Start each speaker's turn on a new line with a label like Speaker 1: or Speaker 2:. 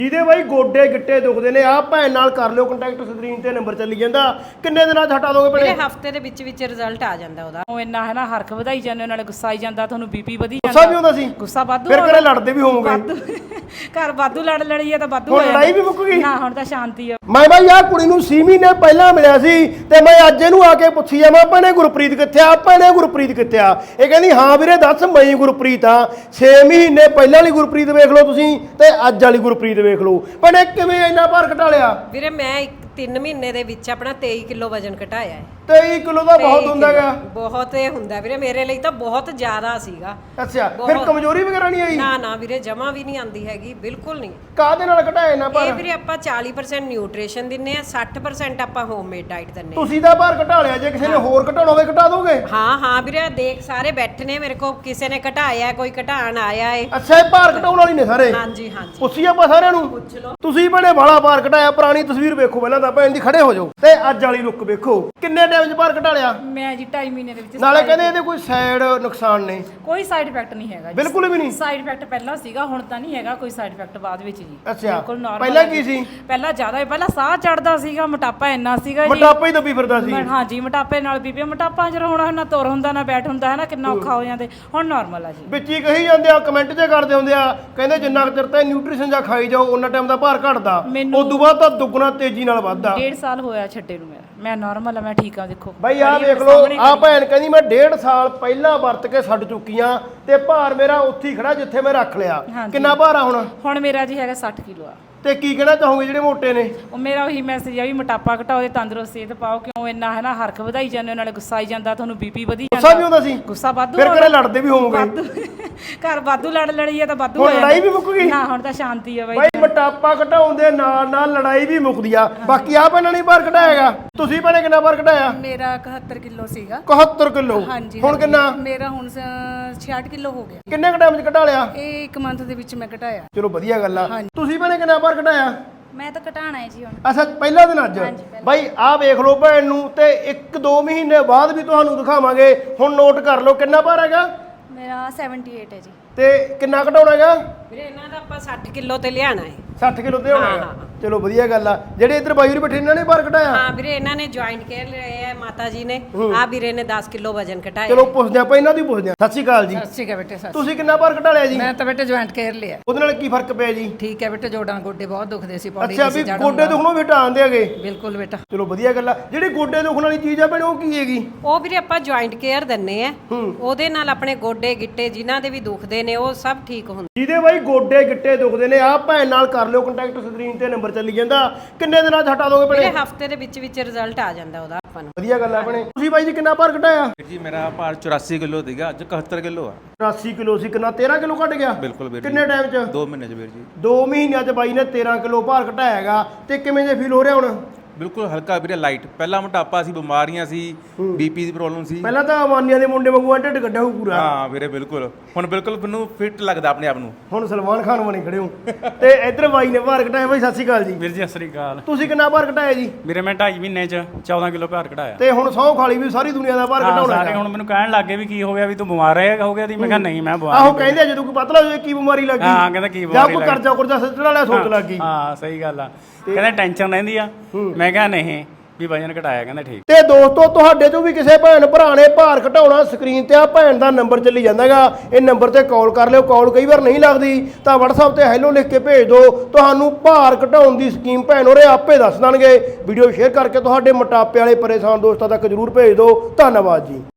Speaker 1: ਜਿਹਦੇ ਬਾਈ ਗੋਡੇ ਗਿੱਟੇ ਦੁਖਦੇ ਨੇ ਆ ਭੈਣ ਨਾਲ ਕਰ ਲਿਓ ਕੰਟੈਕਟ, ਸਕਰੀਨ ਤੇ ਨੰਬਰ ਚੱਲੀ ਜਾਂਦਾ। ਕਿੰਨੇ ਦਿਨਾਂ ਚ ਹਟਾ ਦੋਗੇ ਭੈਣੇ?
Speaker 2: ਮੇਰੇ ਹਫਤੇ ਦੇ ਵਿੱਚ ਰਿਜ਼ਲਟ ਆ ਜਾਂਦਾ ਉਹਦਾ।
Speaker 3: ਉਹ ਇੰਨਾ ਹੈ ਨਾ ਹਰਖ ਵਧਾਈ ਜਾਂਦੇ, ਨਾਲੇ ਗੁੱਸਾ ਆਈ ਜਾਂਦਾ, ਤੁਹਾਨੂੰ ਬੀਪੀ ਵਧੀ ਜਾਂਦਾ।
Speaker 1: ਗੁੱਸਾ ਵੀ ਹੁੰਦਾ ਸੀ?
Speaker 3: ਗੁੱਸਾ ਵਾਧੂ।
Speaker 1: ਫਿਰ ਘਰੇ ਲੜਦੇ ਵੀ ਹੋਵੋਗੇ?
Speaker 3: ਘਰ ਵਾਧੂ ਲੜ ਲੜੀ ਆ ਤਾਂ ਵਾਧੂ
Speaker 1: ਹੁਣ ਲੜਾਈ ਵੀ ਮੁੱਕ ਗਈ?
Speaker 3: ਨਾ ਹੁਣ ਤਾਂ ਸ਼ਾਂਤੀ ਆ।
Speaker 1: ਮੈਂ ਬਾਈ ਆ ਕੁੜੀ ਨੂੰ 6 ਮਹੀਨੇ ਪਹਿਲਾਂ ਮਿਲਿਆ ਸੀ ਤੇ ਮੈਂ ਅੱਜ ਇਹਨੂੰ ਆ ਕੇ ਪੁੱਛੀ ਜਾਵਾਂ ਭੈਣੇ ਗੁਰਪ੍ਰੀਤ ਕਿੱਥੇ ਆ, ਭੈਣੇ ਗੁਰਪ੍ਰੀਤ ਕਿੱਥੇ ਆ? ਇਹ ਕਹਿੰਦੀ ਹਾਂ ਵੀਰੇ ਦੱਸ ਮੈਂ ਗੁਰਪ੍ਰੀਤ ਆ। 6 ਮਹੀਨੇ ਪਹਿਲਾਂ ਵਾਲੀ ਗੁਰਪ੍ਰੀਤ ਵੇਖ ਲਓ ਤੁਸੀਂ ਤੇ ਅੱਜ ਵਾਲੀ ਗੁਰਪ੍ਰੀਤ ਵੇਖ ਲਓ। ਭੈਣੇ ਕਿਵੇਂ ਇੰਨਾ ਭਾਰ ਘਟਾ ਲਿਆ?
Speaker 2: ਵੀਰੇ ਮੈਂ 3 ਮਹੀਨੇ ਦੇ ਵਿੱਚ ਆਪਣਾ 23 ਕਿਲੋ ਵਜਨ ਘਟਾਇਆ ਹੈ।
Speaker 1: 23 ਕਿਲੋ ਦਾ ਬਹੁਤ ਹੁੰਦਾਗਾ।
Speaker 2: ਬਹੁਤ ਇਹ ਹੁੰਦਾ ਵੀਰੇ, ਮੇਰੇ ਲਈ ਤਾਂ ਬਹੁਤ ਜ਼ਿਆਦਾ ਸੀਗਾ।
Speaker 1: ਅੱਛਾ, ਫਿਰ ਕਮਜ਼ੋਰੀ ਵਗੈਰਾ ਨਹੀਂ ਆਈ?
Speaker 2: ਨਾ ਨਾ ਵੀਰੇ, ਜਮਾ ਵੀ ਨਹੀਂ ਆਂਦੀ ਹੈਗੀ, ਬਿਲਕੁਲ ਨਹੀਂ।
Speaker 1: ਕਾਹਦੇ ਨਾਲ ਘਟਾਇਆ ਨਾ ਭਾਰ?
Speaker 2: ਇਹ ਵੀਰੇ ਆਪਾਂ 40% ਨਿਊਟ੍ਰੀਸ਼ਨ ਦਿੰਨੇ ਆ, 60% ਆਪਾਂ ਹੋਮਮੇਡ ਡਾਈਟ ਦਿੰਨੇ ਆ।
Speaker 1: ਤੁਸੀਂ ਤਾਂ ਭਾਰ ਘਟਾ ਲਿਆ, ਜੇ ਕਿਸੇ ਨੇ ਹੋਰ ਘਟਾਉਣਾ ਹੋਵੇ ਘਟਾ ਦੋਗੇ?
Speaker 2: ਹਾਂ ਹਾਂ ਵੀਰੇ, ਦੇਖ ਸਾਰੇ ਬੈਠੇ ਨੇ ਮੇਰੇ ਕੋਲ, ਕਿਸੇ ਨੇ ਘਟਾਇਆ, ਕੋਈ ਘਟਾਣ ਆਇਆ ਏ।
Speaker 1: ਅੱਛਾ, ਇਹ ਭਾਰ ਘਟਾਉਣ ਵਾਲੀ ਨੇ ਸਾਰੇ?
Speaker 2: ਹਾਂਜੀ ਹਾਂਜੀ,
Speaker 1: ਪੁੱਛੀ ਆਪਾਂ ਸਾਰਿਆਂ ਨੂੰ।
Speaker 2: ਪੁੱਛ ਲਓ।
Speaker 1: ਤੁਸੀਂ ਬੜੇ ਬਾਲਾ ਭਾਰ ਘਟਾਇਆ, ਪੁਰਾਣੀ ਤਸਵੀਰ ਵੇਖੋ ਪਹਿਲਾਂ ਤਾਂ ਭੈਣ ਦੀ, ਖੜੇ ਹੋ ਜਾਓ ਤੇ ਅੱਜ ਵਾਲੀ ਲੁੱਕ ਵੇਖੋ। ਕਿੰਨੇ ਟਾਈਮ 'ਚ ਭਾਰ ਘਟਾ ਲਿਆ?
Speaker 3: ਮੈਂ ਜੀ 2.5 ਮਹੀਨੇ ਦੇ ਵਿੱਚ।
Speaker 1: ਨਾਲੇ ਕਹਿੰਦੇ ਇਹਦੇ ਕੋਈ ਸਾਈਡ ਨੁਕਸਾਨ ਨੇ?
Speaker 3: ਕੋਈ ਸਾਈਡ ਇਫੈਕਟ ਨਹੀਂ ਹੈਗਾ ਜੀ।
Speaker 1: ਬਿਲਕੁਲ ਵੀ ਨਹੀਂ?
Speaker 3: ਸਾਈਡ ਇਫੈਕਟ ਪਹਿਲਾਂ ਸੀਗਾ, ਹੁਣ ਤਾਂ ਨਹੀਂ ਹੈਗਾ ਕੋਈ ਸਾਈਡ ਇਫੈਕਟ ਬਾਅਦ ਵਿੱਚ ਜੀ।
Speaker 1: ਅੱਛਾ,
Speaker 3: ਬਿਲਕੁਲ normal
Speaker 1: ਪਹਿਲਾਂ
Speaker 3: ਹੈ
Speaker 1: ਕੀ ਸੀ?
Speaker 3: ਪਹਿਲਾਂ ਜ਼ਿਆਦਾ, ਪਹਿਲਾਂ ਸਾਹ ਚੜਦਾ ਸੀਗਾ, ਮੋਟਾਪਾ ਇੰਨਾ ਸੀਗਾ ਜੀ।
Speaker 1: ਮੋਟਾਪਾ ਹੀ ਦੱਬੀ ਫਿਰਦਾ ਸੀ?
Speaker 3: ਹਾਂ ਜੀ, ਮੋਟਾਪੇ ਨਾਲ ਬੀਪੀ। ਮੋਟਾਪਾ ਜਦੋਂ ਹੁਣ ਨਾ ਤੁਰ ਹੁੰਦਾ ਨਾ ਬੈਠ ਹੁੰਦਾ ਹੈ ਨਾ, ਕਿੰਨਾ ਔਖਾ ਹੋ ਜਾਂਦੇ। ਹੁਣ ਨਾਰਮਲ ਆ ਜੀ।
Speaker 1: ਵਿੱਚ ਹੀ ਕਹੀ ਜਾਂਦੇ ਆ, ਕਮੈਂਟ 'ਚ ਕਰਦੇ ਹੁੰਦੇ ਆ, ਕਹਿੰਦੇ ਜਿੰਨਾ ਕੁ ਚਿਰ ਤੇ ਨਿਊਟ੍ਰੀਸ਼ਨ ਜਾਂ ਖਾਈ ਜਾਓ ਉਹਨਾਂ ਟਾਈਮ ਦਾ ਭਾਰ ਘਟਦਾ, ਉਸ ਤੋਂ ਬਾਅਦ ਤਾਂ ਦੁੱਗਣਾ ਤੇਜ਼ੀ ਨਾਲ ਵੱਧਦਾ।
Speaker 3: 1.5 ਸਾਲ ਹੋਇਆ ਛੱਡੇ ਨੂੰ ਮੇਰਾ। ਮੈਂ ਨਾਰਮਲ ਆ, ਮੈਂ ਠੀਕ ਆ। ਦੇਖੋ
Speaker 1: ਬਾਈ ਆਹ ਵੇਖ ਲਓ, ਆਹ ਭੈਣ ਕਹਿੰਦੀ ਮੈਂ 1.5 ਸਾਲ ਪਹਿਲਾਂ ਵਰਤ ਕੇ ਛੱਡ ਚੁੱਕੀ ਆ ਤੇ ਭਾਰ ਮੇਰਾ ਉੱਥੇ ਹੀ ਖੜਾ ਜਿੱਥੇ ਮੈਂ ਰੱਖ ਲਿਆ। ਕਿੰਨਾ ਭਾਰ ਆ ਹੁਣ?
Speaker 3: ਹੁਣ ਮੇਰਾ ਜੀ ਹੈਗਾ 60 ਕਿਲੋ ਆ।
Speaker 1: ਤੇ ਕੀ ਕਹਿਣਾ ਚਾਹੋਗੇ ਜਿਹੜੇ ਮੋਟੇ ਨੇ?
Speaker 3: ਉਹ ਮੇਰਾ ਉਹੀ ਮੈਸੇਜ ਆ ਵੀ ਮੋਟਾਪਾ ਘਟਾਓ ਤੇ ਤੰਦਰੁਸਤ ਸਿਹਤ ਪਾਓ। ਕਿਉਂ ਇੰਨਾ ਹੈ ਨਾ ਹਰਖ ਵਧਾਈ ਜਾਂਦੇ, ਨਾਲੇ ਗੁੱਸਾ ਆਈ ਜਾਂਦਾ, ਤੁਹਾਨੂੰ ਬੀਪੀ ਵਧੀ ਜਾਂਦਾ।
Speaker 1: ਗੁੱਸਾ ਵੀ ਹੁੰਦਾ ਸੀ?
Speaker 3: ਗੁੱਸਾ ਵਾਧੂ।
Speaker 1: ਫਿਰ ਘਰੇ ਲੜਦੇ ਵੀ ਹੋਵੋਗੇ?
Speaker 3: ਵਾਧੂ ਘਰ ਵਾਧੂ ਲੜ ਲੜੀ ਆ ਤਾਂ ਵਾਧੂ
Speaker 1: ਹੁਣ ਲੜਾਈ ਵੀ ਮੁੱਕ ਗਈ?
Speaker 3: ਨਾ ਹੁਣ ਤਾਂ ਸ਼ਾਂਤੀ ਆ ਬਾਈ।
Speaker 1: ਬਾਈ ਮੋਟਾਪਾ ਘਟਾਉਣ ਦੇ ਨਾਲ ਨਾਲ ਲੜਾਈ ਵੀ ਮੁੱਕਦੀ ਆ। ਬਾਕੀ ਆ ਭੈਣਾਂ ਨੇ ਭਾਰ ਘਟਾਇਆਗਾ। ਤੁਸੀਂ ਭੈਣੇ ਕਿੰਨਾ ਭਾਰ ਘਟਾਇਆ?
Speaker 4: ਮੇਰਾ 71 ਕਿਲੋ ਸੀਗਾ।
Speaker 1: 71 ਕਿਲੋ? ਹੁਣ ਕਿੰਨਾ?
Speaker 4: ਮੇਰਾ ਹੁਣ 66 ਕਿਲੋ ਹੋ ਗਿਆ।
Speaker 1: ਕਿੰਨੇ ਕ ਟਾਈਮ 'ਚ ਘਟਾ ਲਿਆ?
Speaker 4: ਇਹ 1 ਮੰਥ ਦੇ ਵਿੱਚ ਮੈਂ ਘਟਾਇਆ।
Speaker 1: ਚਲੋ ਵਧੀਆ ਗੱਲ ਆ। ਤੁਸੀਂ ਭੈਣੇ ਕਿੰਨਾ ਭਾਰ ਘਟਾਇਆ?
Speaker 4: ਮੈਂ ਤਾਂ ਘਟਾਣਾ ਹੈ ਜੀ ਹੁਣ।
Speaker 1: ਅੱਛਾ, ਪਹਿਲਾ ਦਿਨ ਅੱਜ? ਬਾਈ ਆਹ ਵੇਖ ਲਓ ਭੈਣ ਨੂੰ, ਤੇ 1-2 ਮਹੀਨੇ ਬਾਅਦ ਵੀ ਤੁਹਾਨੂੰ ਦਿਖਾਵਾਂਗੇ। ਹੁਣ ਨੋਟ ਕਰ ਲਓ ਕਿੰਨਾ ਭਾਰ ਹੈਗਾ?
Speaker 4: ਮੇਰਾ 78 ਹੈ ਜੀ।
Speaker 1: ਤੇ ਕਿੰਨਾ ਘਟਾਉਣਾ ਹੈਗਾ?
Speaker 2: ਵੀਰੇ ਇਹਨਾਂ ਦਾ ਆਪਾਂ 60 ਕਿਲੋ ਤੇ ਲਿਆਣਾ ਹੈ।
Speaker 1: 60 ਕਿਲੋ ਤੇ ਹੋਣਾ ਹੈਗਾ। ਚਲੋ ਵਧੀਆ ਗੱਲ ਆ। ਜਿਹੜੇ ਇੱਧਰ ਬਾਈ ਹੋਰੀ ਬੈਠੇ ਇਹਨਾਂ ਨੇ ਭਾਰ ਘਟਾਇਆ?
Speaker 2: ਹਾਂ ਵੀਰੇ, ਇਹਨਾਂ ਨੇ ਜੁਆਇੰਟ ਕੇਅਰ ਲਿਆ ਹੈ ਮਾਤਾ ਜੀ ਨੇ। ਆ ਵੀਰੇ ਨੇ 10 ਕਿਲੋ ਵਜਨ ਘਟਾਇਆ।
Speaker 1: ਚਲੋ ਪੁੱਛਦੇ ਆਪਾਂ ਇਹਨਾਂ ਦੀ, ਪੁੱਛਦੇ ਆ। ਸਤਿ ਸ਼੍ਰੀ ਅਕਾਲ ਜੀ।
Speaker 4: ਠੀਕ ਹੈ ਬੇਟੇ, ਸੱਚ।
Speaker 1: ਤੁਸੀਂ ਕਿੰਨਾ ਭਾਰ ਘਟਾ ਲਿਆ ਜੀ?
Speaker 4: ਮੈਂ ਤਾਂ ਬੇਟੇ ਜੁਆਇੰਟ ਕੇਅਰ ਲਿਆ।
Speaker 1: ਉਹਦੇ ਨਾਲ ਕੀ ਫਰਕ ਪਿਆ ਜੀ?
Speaker 4: ਠੀਕ ਹੈ ਬੇਟੇ, ਜੋੜਾਂ ਗੋਡੇ ਬਹੁਤ ਦੁਖਦੇ ਸੀ, ਪੌੜੀ
Speaker 1: ਅੱਛਾ, ਵੀ ਗੋਡੇ ਦੁਖਣੋਂ ਵੀ ਹਟਾਉਂਦੇ ਹੈਗੇ?
Speaker 4: ਬਿਲਕੁਲ ਬੇਟਾ।
Speaker 1: ਚਲੋ ਵਧੀਆ ਗੱਲ ਆ। ਜਿਹੜੀ ਗੋਡੇ ਦੁਖਣ ਵਾਲੀ ਚੀਜ਼ ਆ ਭੈਣੇ, ਉਹ ਕੀ ਹੈਗੀ?
Speaker 2: ਉਹ ਵੀਰੇ ਆਪਾਂ ਜੁਆਇੰਟ ਕੇਅਰ ਦਿੰਨੇ ਆ। ਉਹਦੇ ਨਾਲ ਆਪਣੇ ਗੋਡੇ ਗਿੱਟੇ ਜਿਨ੍ਹਾਂ ਦੇ ਵੀ ਦੁਖਦੇ ਨੇ ਉਹ ਸਭ ਠੀਕ ਹੁੰਦੇ।
Speaker 1: ਜਿਹਦੇ ਬਾਈ ਗੋਡੇ ਗਿੱਟੇ ਦੁਖਦੇ ਨੇ ਆ ਭੈਣ ਨਾਲ ਕਰ ਲਿਓ ਕੰਟੈਕਟ, ਸਕਰੀਨ ਤੇ ਨੰਬਰ ਚੱਲੀ ਜਾਂਦਾ। ਕਿੰਨੇ ਦਿਨਾਂ 'ਚ ਹਟਾ ਦੋਗੇ ਭੈਣੇ?
Speaker 2: ਵੀਰੇ ਹਫਤੇ ਦੇ ਵਿੱਚ ਰਿਜ਼ਲਟ ਆ ਜਾਂਦਾ ਉਹਦਾ ਆਪਾਂ ਨੂੰ।
Speaker 1: ਵਧੀਆ ਗੱਲ ਆ ਭੈਣੇ। ਤੁਸੀਂ ਬਾਈ ਜੀ ਕਿੰਨਾ ਭਾਰ ਘਟਾਇਆ?
Speaker 5: ਜੀ ਮੇਰਾ ਭਾਰ 84 ਕਿਲੋ ਸੀਗਾ, ਅੱਜ 71 ਕਿਲੋ ਆ।
Speaker 1: 84 ਕਿਲੋ ਸੀ, ਕਿੰਨਾ 13 ਕਿਲੋ ਘਟ ਗਿਆ?
Speaker 5: ਬਿਲਕੁਲ ਵੀਰ ਜੀ।
Speaker 1: ਕਿੰਨੇ ਟਾਈਮ 'ਚ?
Speaker 5: 2 ਮਹੀਨੇ ਚ ਵੀਰ ਜੀ।
Speaker 1: 2 ਮਹੀਨਿਆਂ 'ਚ ਬਾਈ ਨੇ 13 ਕਿਲੋ ਭਾਰ ਘਟਾਇਆ ਹੈਗਾ। ਤੇ ਕਿਵੇਂ ਜੇ ਫੀਲ ਹੋ ਰਿਹਾ ਹੁਣ?
Speaker 5: ਬਿਲਕੁਲ ਹਲਕਾ ਵੀਰੇ, ਲਾਈਟ। ਪਹਿਲਾਂ ਮੋਟਾਪਾ ਸੀ, ਬਿਮਾਰੀਆਂ ਸੀ, ਬੀਪੀ ਦੀ ਪ੍ਰੋਬਲਮ ਸੀ।
Speaker 1: ਪਹਿਲਾਂ ਤਾਂ ਅਮਾਨੀਆਂ ਦੇ ਮੁੰਡੇ ਵਾਂਗੂ ਢਿੱਡ ਕੱਢਿਆ ਹੋਊ ਪੂਰਾ।
Speaker 5: ਹਾਂ ਵੀਰੇ ਬਿਲਕੁਲ। ਹੁਣ ਬਿਲਕੁਲ ਮੈਨੂੰ ਫਿੱਟ ਲੱਗਦਾ ਆਪਣੇ ਆਪ ਨੂੰ।
Speaker 1: ਹੁਣ ਸਲਮਾਨ ਖਾਨ ਬਣੇ ਖੜੇ ਹੋ। ਤੇ ਇੱਧਰ ਬਾਈ ਨੇ ਭਾਰ ਘਟਾਇਆ। ਬਾਈ ਸਤਿ ਸ਼੍ਰੀ ਅਕਾਲ ਜੀ।
Speaker 6: ਵੀਰ ਜੀ ਸਤਿ ਸ੍ਰੀ ਅਕਾਲ।
Speaker 1: ਤੁਸੀਂ ਕਿੰਨਾ ਭਾਰ ਘਟਾਇਆ ਜੀ?
Speaker 6: ਵੀਰੇ ਮੈਂ 2.5 ਮਹੀਨੇ ਚ 14 ਕਿਲੋ ਭਾਰ ਘਟਾਇਆ।
Speaker 1: ਤੇ ਹੁਣ ਸਹੁੰ ਖਾਲੀ ਵੀ ਸਾਰੀ ਦੁਨੀਆ ਦਾ ਭਾਰ ਘਟਾਉਣਾ
Speaker 6: ਸਾਰੇ ਹੁਣ ਮੈਨੂੰ ਕਹਿਣ ਲੱਗੇ ਵੀ ਕੀ ਹੋ ਗਿਆ, ਵੀ ਤੂੰ ਬਿਮਾਰ ਹੋ ਗਿਆ ਦੀ। ਮੈਂ ਕਿਹਾ ਨਹੀਂ, ਮੈਂ ਬਿਮਾਰ
Speaker 1: ਆਹੋ ਕਹਿੰਦੇ ਜਦੋਂ ਕੋਈ ਪਤਲਾ ਹੋ ਜਾਏ ਕੀ ਬਿਮਾਰੀ ਲੱਗੀ?
Speaker 6: ਹਾਂ ਕਹਿੰਦਾ ਕੀ
Speaker 1: ਜਾਂ
Speaker 6: ਬਿਮਾਰੀ
Speaker 1: ਕੋਈ ਕਰਜ਼ਾ ਕੁਰਜ਼ਾ ਸੱਜਣ ਵਾਲਾ ਸੋਚ ਲੱਗ ਗਈ।
Speaker 6: ਹਾਂ ਸਹੀ ਗੱਲ ਆ। ਕਹਿੰਦੇ ਟੈਨਸ਼ਨ ਰਹਿੰਦੀ ਆ। ਮੈਂ ਕਿਹਾ ਨਹੀਂ ਵੀ ਵਜਨ ਘਟਾਇਆ। ਕਹਿੰਦਾ ਠੀਕ।
Speaker 1: ਤੇ ਦੋਸਤੋ, ਤੁਹਾਡੇ ਚੋਂ ਵੀ ਕਿਸੇ ਭੈਣ ਭਰਾ ਨੇ ਭਾਰ ਘਟਾਉਣਾ, ਸਕਰੀਨ ਤੇ ਆ ਭੈਣ ਦਾ ਨੰਬਰ ਚੱਲੀ ਜਾਂਦਾਗਾ। ਇਹ ਨੰਬਰ ਤੇ ਕਾਲ ਕਰ ਲਿਓ। ਕਾਲ ਕਈ ਵਾਰ ਨਹੀਂ ਲੱਗਦੀ ਤਾਂ WhatsApp ਤੇ ਹੈਲੋ ਲਿਖ ਕੇ ਭੇਜ ਦਿਓ। ਤੁਹਾਨੂੰ ਭਾਰ ਘਟਾਉਣ ਦੀ ਸਕੀਮ ਭੈਣ ਹੋਰੇ ਆਪੇ ਦੱਸ ਦੇਣਗੇ। ਵੀਡੀਓ ਸ਼ੇਅਰ ਕਰਕੇ ਤੁਹਾਡੇ ਮੋਟਾਪੇ ਵਾਲੇ ਪਰੇਸ਼ਾਨ ਦੋਸਤਾਂ ਤੱਕ ਜਰੂਰ ਭੇਜ ਦਿਓ। ਧੰਨਵਾਦ ਜੀ।